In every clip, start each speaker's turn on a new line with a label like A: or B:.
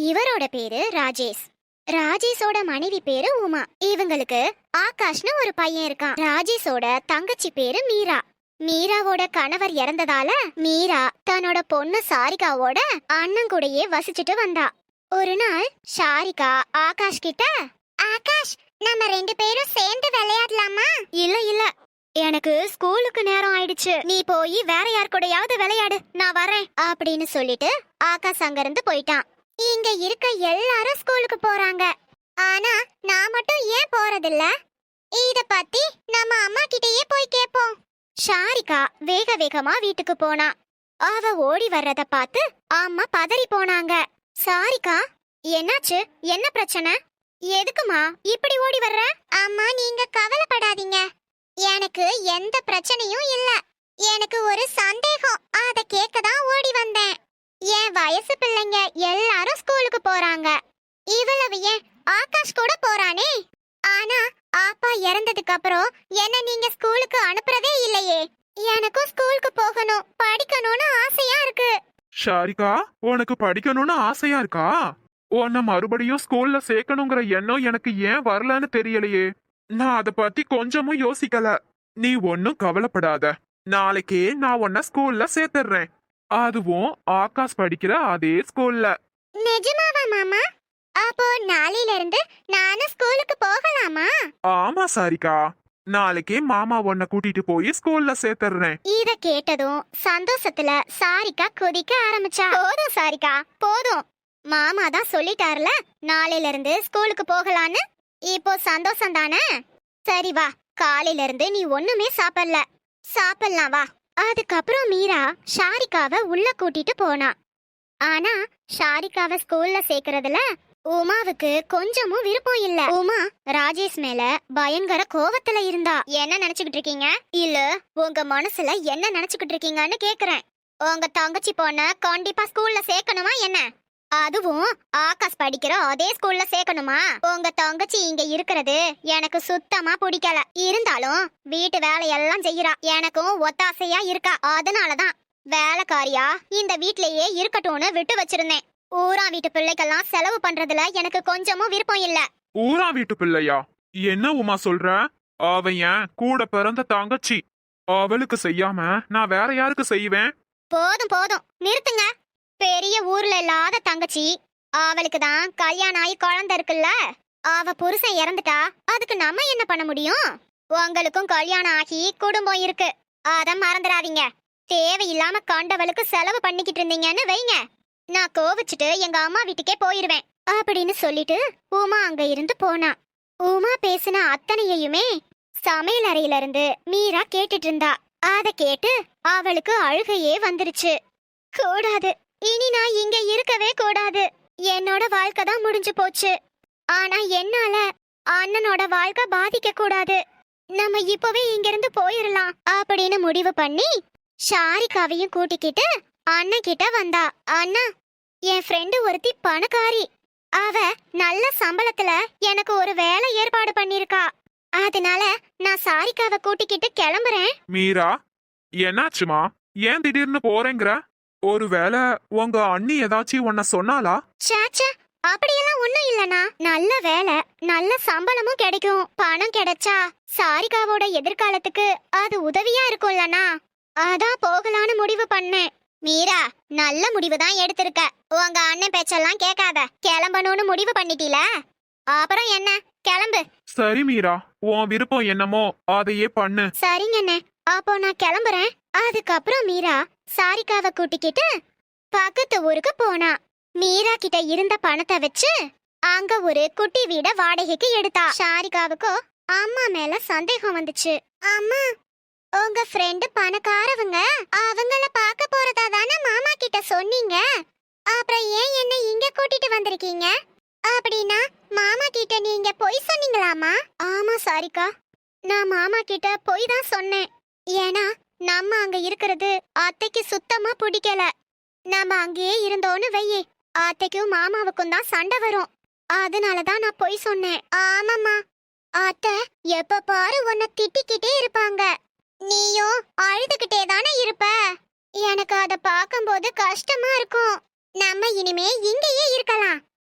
A: இவரோட பேரு ராஜேஷ். ராஜேஷோட மனைவி பேரு உமா. இவங்களுக்கு ஆகாஷ்னு ஒரு பையன் இருக்கான். ராஜேஷோட தங்கச்சி பேரு மீரா. மீராவோட கணவர் இறந்ததால மீரா தன்னோட பொண்ணு சாரிகாவோட அண்ணன் கூடயே வசிச்சுட்டு வந்தா. ஒரு நாள் சாரிகா ஆகாஷ் கிட்ட, ஆகாஷ் நம்ம 2 பேரும் சேர்ந்து விளையாடலாமா? இல்ல இல்ல, எனக்கு ஸ்கூலுக்கு நேரம் ஆயிடுச்சு, நீ போய் வேற யார் கூடயாவது விளையாடு, நான் வரேன் அப்படின்னு சொல்லிட்டு ஆகாஷ் அங்கிருந்து போயிட்டான். இங்க இருக்க எல்லாரும் ஸ்கூலுக்கு போறாங்க, ஆனா நான் மட்டும் ஏன் போறதில்ல? இத பத்தி நம்ம அம்மா கிட்டயே போய் கேப்போம். ஷாரிகா வேக வேகமா வீட்டுக்கு போனா. அவ ஓடி வர்றத பார்த்து அம்மா பதறி போனாங்க. சாரிகா, என்னாச்சு? என்ன பிரச்சனை? எதுக்குமா இப்படி ஓடி வர்ற? அம்மா நீங்க கவலைப்படாதீங்க, எனக்கு எந்த பிரச்சனையும் இல்ல. எனக்கு ஒரு சந்தேகம், அத கேட்க தான் ஓடி வந்தேன். என் வயசு பிள்ளைங்க எல்லாரும் ஸ்கூலுக்கு போறாங்க, இவ்வளவு ஏன் ஆகாஷ் கூட போறானே? ஆனா அப்பா இறந்ததுக்கு அப்புறம் என்ன நீங்க ஸ்கூலுக்கு அனுப்புறதே இல்லையே. எனக்கும் ஸ்கூலுக்கு போகணும், படிக்கணும்னு ஆசையா இருக்கு.
B: ஷாரிகா, உனக்கு படிக்கணும்னு ஆசையா இருக்கா? உன்னை மறுபடியும் ஸ்கூல்ல சேர்க்கணுங்கிற எண்ணம் எனக்கு ஏன் வரலன்னு தெரியலையே. நான் அத பத்தி கொஞ்சமும் யோசிக்கல. நீ ஒன்னும் கவலைப்படாத, நாளைக்கே நான் உன்னை ஸ்கூல்ல சேர்த்துறேன், அதுவும் ஆகாஷ் படிக்கிற அதே ஸ்கூல்ல.
A: நிஜமாவா மாமா? அப்போ நாளையில இருந்து நானும் ஸ்கூலுக்கு போகலாமா?
B: ஆமா சாரிகா, நாளைக்கே மாமா உன்னை கூட்டிட்டு போய் ஸ்கூல்ல சேர்த்துறேன்.
A: இத கேட்டதும் சந்தோஷத்துல சாரிகா கொதிக்க ஆரம்பிச்சா. போதும் சாரிகா போதும், மாமா தான் சொல்லிட்டாருல நாளையில இருந்து ஸ்கூலுக்கு போகலான்னு. இப்போ சந்தோஷம் தானே? சரி வா, காலையில இருந்து நீ ஒண்ணுமே சாப்பிடலாம் வா. அதுக்கப்புறம் மீரா ஷாரிகாவை உள்ள கூட்டிட்டு போனா. ஆனா ஷாரிகாவை ஸ்கூல்ல சேர்க்கறதுல உமாவுக்கு கொஞ்சமும் விருப்பம் இல்ல. உமா ராஜேஷ் மேல பயங்கர கோவத்துல இருந்தா. என்ன நினைச்சுக்கிட்டு இருக்கீங்க? இல்ல உங்க மனசுல என்ன நினைச்சுக்கிட்டு இருக்கீங்கன்னு கேக்குறேன். உங்க தங்கச்சி பொண்ண கண்டிப்பா ஸ்கூல்ல சேர்க்கணுமா என்ன? அதுவும் ஆகாஷ் படிக்கிற அதே ஸ்கூல்ல சேர்க்கணுமா? உங்க தங்கச்சி இங்க இருக்கிறது எனக்கு சுத்தமா பிடிக்கல. இருந்தாலும் வீட்டு வேலையெல்லாம் செய்யறா, எனக்கும் ஒத்தாசையா இருக்கா. அதனாலதான் வேலைக்காரியா இந்த வீட்லயே இருக்கட்டும்னு விட்டு வச்சிருந்தேன். ஊரா வீட்டு பிள்ளைக்கெல்லாம் செலவு பண்றதுல எனக்கு கொஞ்சமும் விருப்பம் இல்ல.
B: ஊரா வீட்டு பிள்ளையா? என்ன உமா சொல்ற? அவ என் கூட பிறந்த தங்கச்சி, அவளுக்கு செய்யாம நான் வேற யாருக்கு செய்வேன்?
A: போதும் போதும் நிறுத்துங்க. பெரிய ஊர்ல இல்லாத தங்கச்சி, அவளுக்கு தான் கல்யாணம் ஆகி குழந்தை இருக்குல்ல. அவ புருஷன் இறந்துட்டா அதுக்கு நம்ம என்ன பண்ண முடியும்? உங்களுக்கும் கல்யாணம் ஆகி குடும்பம் இருக்கு, அத மறந்துடாதீங்க. தேவையில்லாம கண்டவளுக்கு செலவு பண்ணிக்கிட்டு இருந்தீங்கன்னு வைங்க, நான் கோவிச்சுட்டு எங்க அம்மா வீட்டுக்கே போயிருவேன் அப்படின்னு சொல்லிட்டு உமா அங்க இருந்து போனா. உமா பேசின அத்தனையுமே சமையல் அறையில இருந்து மீரா கேட்டுட்டு இருந்தா. அத கேட்டு அவளுக்கு அழுகையே வந்துருச்சு. கூடாது, இனி நான் இங்க இருக்கவே கூடாது. என்னோட வாழ்க்கை தான் முடிஞ்சு போச்சு, ஆனா என்னால அண்ணனோட வாழ்க்கை பாதிக்க கூடாது. நம்ம இப்பவே இங்க இருந்து போயிடலாம் அப்படின்னு முடிவு பண்ணி ஷாரிகாவையும் கூட்டிக்கிட்டு அண்ணன் கிட்ட வந்தா. அண்ணா, என் ஃப்ரெண்டு ஒருத்தி பணக்காரி, அவ நல்ல சம்பளத்துல எனக்கு ஒரு வேலை ஏற்பாடு பண்ணிருக்கா. அதனால நான் சாரிகாவை கூட்டிக்கிட்டு கிளம்புறேன்.
B: மீரா, என்னாச்சுமா? ஏன் திடீர்னு போறேங்கிற? ஒருவேளை உங்க அண்ணி ஏதாச்சும் உன்ன சொன்னாலா?
A: சேச்சே, அப்படியெல்லாம் ஒண்ணும் இல்லனா. நல்ல வேலை, நல்ல சம்பளமும் கிடைக்கும். பணம் கிடைச்சா சாரிகாவோட எதிர்காலத்துக்கு அது உதவியா இருக்கும்லனா, அதான் போகலான்னு முடிவு பண்ணேன். மீரா, நல்ல முடிவு தான் எடுத்திருக்க. உங்க அண்ணன் பேச்செல்லாம் கேட்காத, கிளம்பணும்னு முடிவு பண்ணிட்டீல, அப்புறம் என்ன, கிளம்பு.
B: சரி மீரா, உன் விருப்பம் என்னமோ அதையே பண்ணு.
A: சரிங்கண்ணே, அப்போ நான் கிளம்புறேன். அதுக்கப்புறம் மீரா சாரிகாவை கூட்டிக்கிட்டு பக்கத்து ஊருக்கு போனா. மீரா கிட்ட இருந்த பணத்தை வச்சு அங்க ஒரு குட்டி வீட வாடகைக்கு எடுத்தா. சாரிகாவுக்கு அம்மா மேல சந்தேகம் வந்துச்சு. அம்மா, உங்க ஃப்ரெண்டு பணக்காரவங்க, அவங்கள பார்க்க போறதா தானே மாமா கிட்ட சொன்னீங்க, அப்புறம் ஏன் என்ன இங்க கூட்டிட்டு வந்திருக்கீங்க? அப்படின்னா மாமா கிட்ட நீங்க பொய் சொன்னீங்களாமா? ஆமா சாரிகா, நான் மாமா கிட்ட பொய் தான் சொன்னேன். ஏன்னா நம்ம அங்க இருக்கிறது அத்தைக்கு சுத்தமா பிடிக்கல. நம்ம அங்கேயே இருந்தோன்னு வையே, அத்தைக்கும் மாமாவுக்கும் தான் சண்டை வரும். அதனாலதான் நான் பொய் சொன்னேன். ஆமாம்மா, அத்தை எப்ப பாரு உன்னை திட்டிக்கிட்டே இருப்பாங்க, நீயும் அழுதுகிட்டே தானே இருப்ப. எனக்கு அத பார்க்கும்போது கஷ்டமா இருக்கும். நம்ம இனிமே இங்கேயே இருக்கலாம்.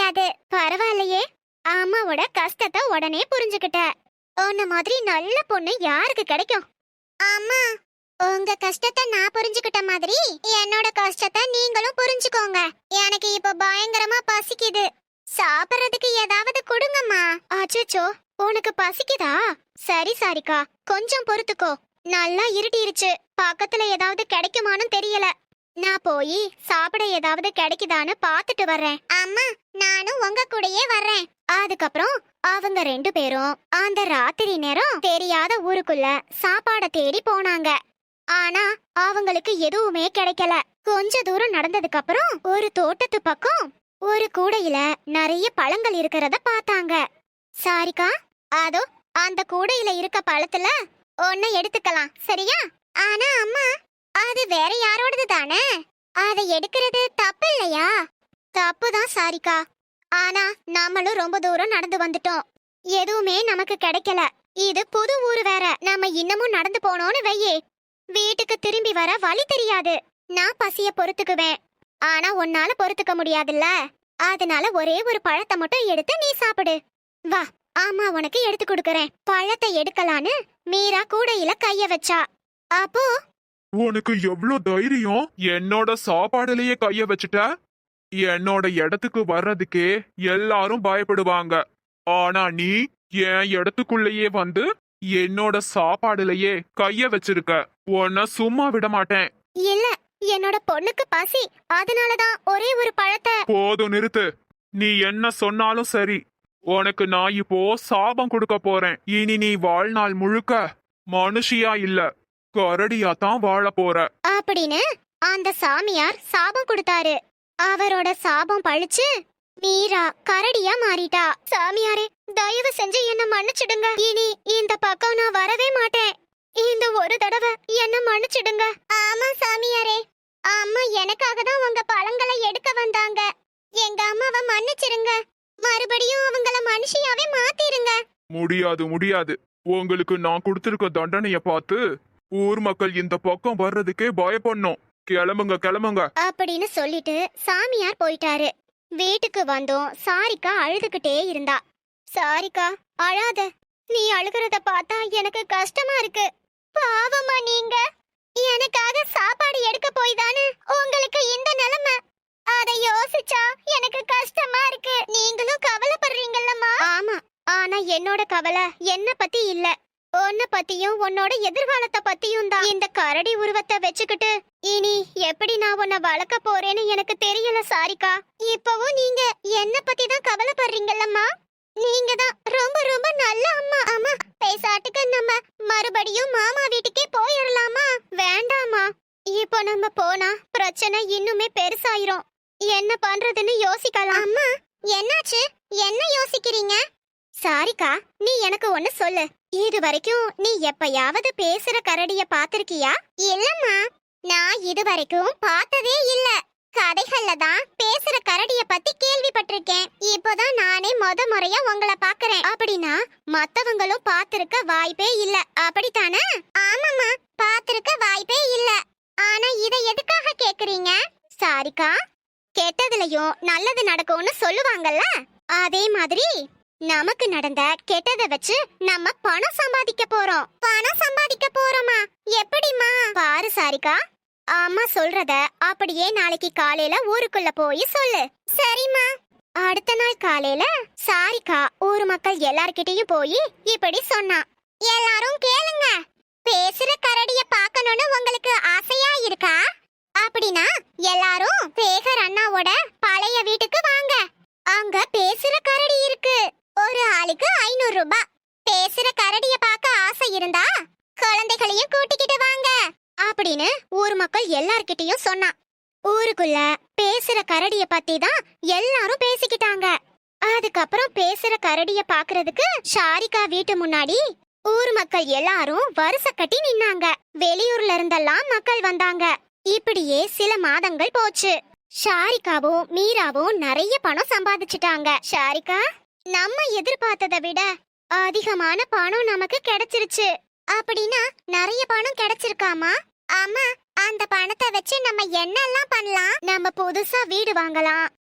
A: தெரியாது. பரவாயில்லையே, அம்மாவோட கஷ்டத்தை உடனே புரிஞ்சுக்கிட்ட. உன்ன மாதிரி நல்ல பொண்ணு யாருக்கு கிடைக்கும்? அம்மா, உங்க கஷ்டத்தை நான் புரிஞ்சுக்கிட்ட மாதிரி என்னோட கஷ்டத்தை நீங்களும் புரிஞ்சுக்கோங்க. எனக்கு இப்ப பயங்கரமா பசிக்குது. சாப்பிடுறதுக்கு ஏதாவது கொடுங்கம்மா. அச்சச்சோ, உனக்கு பசிக்குதா? சரி சாரிகா, கொஞ்சம் பொறுத்துக்கோ. நல்லா இருட்டிருச்சு, பக்கத்துல ஏதாவது கிடைக்குமான்னு தெரியல. நான் போய் சாப்பிட ஏதாவது கிடைக்குதான்னு பாத்துட்டு வர்றேன். அம்மா, நானும் உங்க கூடயே வர்றேன். அதுக்கப்புறம் அவங்க 2 பேரும் அந்த ராத்திரி நேரம் தெரியாத ஊருக்குள்ள சாப்பாட தேடி போனாங்க. ஆனா அவங்களுக்கு எதுவுமே கிடைக்கல. கொஞ்ச தூரம் நடந்ததுக்கு அப்புறம் ஒரு தோட்டத்து பக்கம் ஒரு கூடையில நிறைய பழங்கள் இருக்கிறத பார்த்தாங்க. சாரிகா, அதோ அந்த கூடையில இருக்க பழத்துல ஒன்ன எடுத்துக்கலாம், சரியா? ஆனா அம்மா, அது வேற யாரோடது தானே, அதை எடுக்கிறது தப்பு இல்லையா? தப்புதான் சாரிகா, ஆனா நாமளும் ரொம்ப தூரம் நடந்து வந்துட்டோம், எதுவுமே நமக்கு கிடைக்கல. இது புது ஊரு வேற, நம்ம இன்னமும் நடந்து போனோம்னு வையே, வீட்டுக்கு திரும்பி வர வழி தெரியாது. நான் பசிய பொறுத்துக்குவேன், ஆனா உன்னால பொறுத்துக்க முடியாதுல்ல. அதனால ஒரே ஒரு பழத்தை மட்டும் எடுத்து நீ சாப்பிடு. வா, ஆமா உனக்கு எடுத்து கொடுக்கறேன். பழத்தை எடுக்கலான்னு மீரா கூடையில கைய வச்சா. அப்போ
B: உனக்கு எவ்ளோ தைரியம்? என்னோட சாப்பாடுலயே கைய வச்சுட்ட? என்னோட இடத்துக்கு வர்றதுக்கே எல்லாரும் பயப்படுவாங்க. ஆனா நீ என் இடத்துக்குள்ளேயே வந்து என்னோட சாப்பாடுலயே கைய வச்சிருக்க. உன்னை சும்மா விட மாட்டேன்.
A: இல்ல, என்னோட பொண்ணுக்கு பசி, அதனாலதான் ஒரே ஒரு பழத்தை.
B: போதும், நிறுத்து. நீ என்ன சொன்னாலும் சரி, உனக்கு நான் இப்போ சாபம் கொடுக்க போறேன். இனி நீ வாழ்நாள் முழுக்க மனுஷியா இல்ல, கரடியா தான் வாழ போற.
A: அப்படின்னு அந்த சாமியார் சாபம் கொடுத்தாரு. அவரோட சாபம் பழிச்சு மீரா கரடியா மாறிட்டா. சாமியாரே, தயவு செஞ்சு என்ன மன்னிச்சிடுங்க. இனி இந்த பக்கம் நான் வரவே மாட்டேன். இந்த ஒரு தடவை என்ன மன்னிச்சிடுங்க. ஆமா சாமியாரே, அம்மா எனக்காக தான் உங்க பழங்களை எடுக்க வந்தாங்க. எங்க அம்மாவை மன்னிச்சிருங்க. மறுபடியும் அவங்கள மனுஷியாவே மாத்திருங்க.
B: முடியாது முடியாது. உங்களுக்கு நான் கொடுத்திருக்க தண்டனைய பார்த்து ஊர் மக்கள் இந்த பக்கம் வர்றதுக்கே பயப்படணும். கிளம்புங்க கிளம்புங்க
A: அப்படின்னு சொல்லிட்டு சாமியார் போயிட்டாரு. வீட்டுக்கு வந்தோம். சாரிகா அழுதுகிட்டே இருந்தா. சாரிகா, அழாத. நீ அழுகிறத பார்த்தா எனக்கு கஷ்டமா இருக்கு. பாவமா நீங்க. எனக்காக சாப்பாடு எடுக்க போய் தானே உங்களுக்கு இந்த நிலைமை. அதை யோசிச்சா எனக்கு கஷ்டமா இருக்கு. நீங்களும் கவலைப்படுறீங்கல்லம்மா. ஆமா, ஆனா என்னோட கவலை என்ன பத்தி இல்ல, உன்னை பத்தியும் உன்னோட எதிர்காலத்தை பத்தியும் தான். இந்த கரடி உருவத்தை வச்சுக்கிட்டு இனி எப்படி நான் உன்னை வளர்க்க போறேன்னு எனக்கு தெரியல சாரிகா. இப்பவும் நீங்க என்ன பத்தி தான் கவலைப்படுறீங்கல்லம்மா. நீங்க தான் ரொம்ப ரொம்ப நல்ல அம்மா. அம்மா, பேசாட்டுக்கு நம்ம மறுபடியும் மாமா வீட்டுக்கே போயிடலாமா? வேண்டாமா, இப்போ நம்ம போனா பிரச்சனை இன்னுமே பெருசாயிரும். என்ன பண்றதுன்னு யோசிக்கலாம். அம்மா, என்னாச்சு? என்ன யோசிக்கிறீங்க? சாரிகா, நீ எனக்கு ஒண்ணு சொல்லு. இது வரைக்கும் நீ எப்பயாவது பேசுற கரடிய பாத்திருக்கியா? இல்லம்மா, நான் இது வரைக்கும் பார்த்ததே இல்ல. கதைகள்ல தான் பேசுற கரடிய பத்தி கேள்விப்பட்டிருக்கேன். இப்போதான் நானே முறையா உங்களை பாக்குறேன். அப்படின்னா மத்தவங்களும் பாத்திருக்க வாய்ப்பே இல்ல, அப்படித்தானே? ஆமாம்மா, பாத்திருக்க வாய்ப்பே இல்ல. ஆனா இத எதுக்காக கேக்குறீங்க? சாரிகா, கெட்டதுலயும் நல்லது நடக்கும்னு சொல்லுவாங்கல்ல, அதே மாதிரி நமக்கு நடந்த கெட்டதை வச்சு நம்ம பணம் சம்பாதிக்க போறோம். பணம் சம்பாதிக்க போறோமா? எப்படிமா? பாரு சாரிகா, அம்மா சொல்றத அப்படியே நாளைக்கு காலையில ஊருக்குள்ள போய் சொல்லு. சரிம்மா. அடுத்த நாள் காலையில சாரிகா ஊர் மக்கள் எல்லார்கிட்டயும் போய் இப்படி சொன்னா. எல்லாரும் கேளுங்க. பேசுற கரடிய பார்க்கணும்னு உங்களுக்கு ஆசையா இருக்கா? அப்படின்னா எல்லாரும் சேகர் அண்ணாவோட பழைய வீட்டுக்கு வாங்க. அங்க பேசுற கரடி இருக்கு. ஒரு ஆளுக்கு 500 ரூபாய். பேசுற கரடிய பார்க்க ஆசை இருந்தா குழந்தைகளையும் கூட்டிக்கிட்டு வாங்க அப்படின்னு ஊர் மக்கள் எல்லார்கிட்டயும் சொன்னா. ஊருக்குள்ள பேசுற கரடிய பத்தி தான் எல்லாரும் பேசிக்கிட்டாங்க. அதுக்கப்புறம் பேசுற கரடிய பாக்குறதுக்கு சாரிகா வீட்டு முன்னாடி ஊர் மக்கள் எல்லாரும் வரிசை கட்டி நின்னாங்க. வெளியூர்ல இருந்தெல்லாம் மக்கள் வந்தாங்க. இப்படியே சில மாதங்கள் போச்சு. சாரிகாவும் மீராவும் நிறைய பணம் சம்பாதிச்சிட்டாங்க. சாரிகா, நம்ம எதிர்பார்த்ததை விட அதிகமான பணம் நமக்கு கிடைச்சிருச்சு. அப்படின்னா நிறைய பணம் கிடைச்சிருக்காமா? ஆமா, அந்த பணத்தை வச்சு நம்ம என்னெல்லாம் பண்ணலாம்? நம்ம புதுசா வீடு வாங்கலாம்,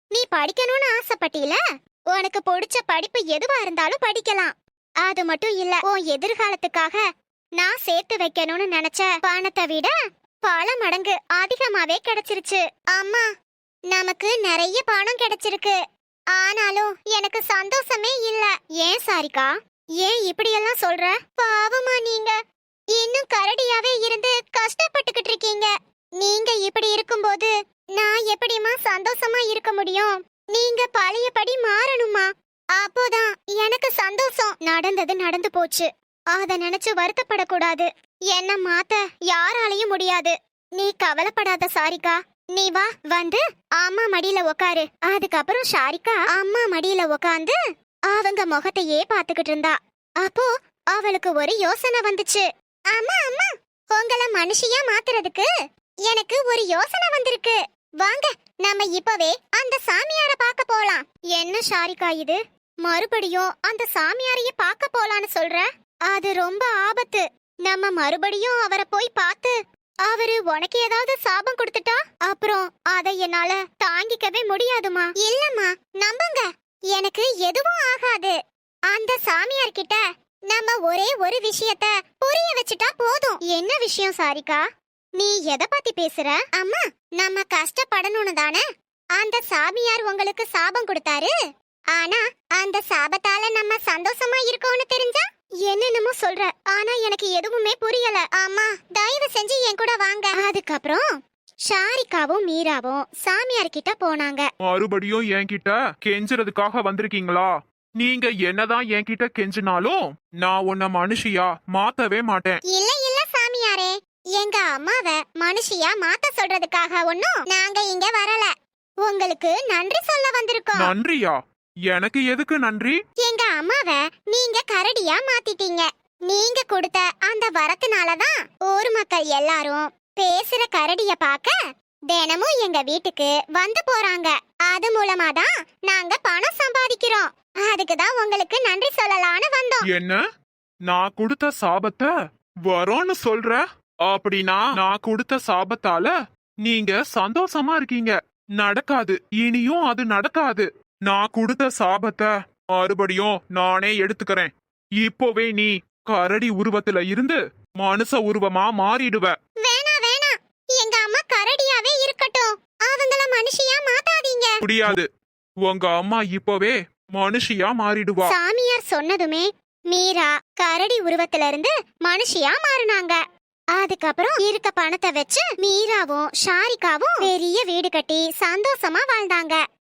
A: நீ படிக்கணும்னு ஆசைப்பட்டீல, உனக்கு பிடிச்ச படிப்பு எதுவா இருந்தாலும் படிக்கலாம். அது மட்டும் இல்ல, உன் எதிர்காலத்துக்காக நான் சேர்த்து வைக்கணும்னு நினைச்ச பணத்தை விட பல மடங்கு அதிகமாவே கிடைச்சிருச்சு. அம்மா, நமக்கு நிறைய பணம் கிடைச்சிருக்கு. ஆனாலும் எனக்கு சந்தோஷமே இல்ல. ஏன் சாரிகா, ஏன் இப்படியெல்லாம் சொல்ற? பாவமா நீங்க இன்னும் கரடியாவே இருந்து கஷ்டப்பட்டுக்கிட்டு இருக்கீங்க. நீங்க இப்படி இருக்கும்போது நான் எப்படிமா சந்தோஷமா இருக்க முடியும்? நீங்க பழையபடி மாறணுமா, அப்போதான் எனக்கு சந்தோஷம். நடந்தது நடந்து போச்சு, அத நினைச்சு வருத்தப்படக்கூடாது. என்ன மாத்த யாராலையும் முடியாது. நீ கவலைப்படாத சாரிகா. நீ வா, வந்து அம்மா மடியில உக்காரு. அதுக்கப்புறம் சாரிகா அம்மா மடியில உக்காந்து அவங்க முகத்தையே பாத்துக்கிட்டு இருந்தா. அப்போ அவளுக்கு ஒரு யோசனை வந்துச்சு. அம்மா அம்மா, உங்களை மனுஷியா மாத்துறதுக்கு எனக்கு ஒரு யோசனை வந்திருக்கு. வாங்க, நம்ம இப்பவே அந்த சாமியார பார்க்க போலாம். என்ன சாரிகா இது, மறுபடியும் அந்த சாமியாரையே பார்க்க போலான்னு சொல்ற? அது ரொம்ப ஆபத்து. நம்ம மறுபடியும் அவரை போய் பார்த்து அவரு உனக்கு ஏதாவது சாபம் கொடுத்துட்டா அப்புறம் அதை என்னால தாங்கிக்கவே முடியாதுமா. இல்லம்மா, நம்புங்க, எனக்கு எதுவும் ஆகாது. அந்த சாமியார் கிட்ட நம்ம ஒரே ஒரு விஷயத்த புரிய வச்சுட்டா போதும். என்ன விஷயம் சாரிகா, நீ எதை பத்தி பேசுற? அம்மா, நம்ம கஷ்டப்படணும்னு தானே அந்த சாமியார் உங்களுக்கு சாபம் கொடுத்தாரு. ஆனா அந்த சாபத்தால நம்ம சந்தோஷமா இருக்கோம்னு தெரிஞ்சா என்னென்னமோ சொல்ற. ஆனா எனக்கு எதுவுமே புரியல. அம்மா, தயவு செஞ்சு என் கூட வாங்க. அதுக்கப்புறம் சாரிகாவும் மீராவும் சாமியார் கிட்ட போனாங்க.
B: மறுபடியும் என்கிட்ட கெஞ்சுறதுக்காக வந்திருக்கீங்களா? நீங்க என்னதான் என்கிட்ட கெஞ்சினாலும் நான் உன்னை மனுஷியா மாத்தவே மாட்டேன்.
A: இல்ல இல்ல சாமியாரே, எங்க அம்மாவை மனுஷியா மாத்த சொல்றதுக்காக ஒண்ணும் நாங்க இங்க வரல. உங்களுக்கு நன்றி சொல்ல வந்திருக்கோம்.
B: நன்றியா? எனக்கு எதுக்கு நன்றி?
A: எங்க அம்மாவை நீங்க கரடியா மாத்திட்டீங்க. நீங்க கொடுத்த அந்த வரத்தினாலதான் ஊர் மக்கள் எல்லாரும் பேசுற கரடிய பாக்க தினமும் எங்க வீட்டுக்கு வந்து போறாங்க. அது மூலமா தான் நாங்க பணம் சம்பாதிக்கிறோம். அதுக்குதான் உங்களுக்கு நன்றி சொல்லலாம்னு வந்தோம்.
B: என்ன, நான் கொடுத்த சாபத்தை வரோன்னு சொல்ற? அப்படின்னா நான் கொடுத்த சாபத்தால நீங்க சந்தோஷமா இருக்கீங்க. நடக்காது, இனியும் அது நடக்காது. நான் கொடுத்த சாபத்தை மறுபடியும் நானே எடுத்துக்கிறேன். இப்போவே நீ கரடி உருவத்துல இருந்து மனுஷ உருவமா மாறிடுவ.
A: வேணா வேணா, எங்க அம்மா கரடியாவே இருக்கட்டும். அவங்கள மனுஷியா மாத்தாதீங்க.
B: முடியாது, உங்க அம்மா இப்போவே மனுஷியா மாறிடுவா.
A: சாமியார் சொன்னதுமே மீரா கரடி உருவத்துல இருந்து மனுஷியா மாறினாங்க. அதுக்கப்புறம் இருக்க பணத்தை வச்சு மீராவும் ஷாரிகாவும் பெரிய வீடு கட்டி சந்தோஷமா வாழ்ந்தாங்க.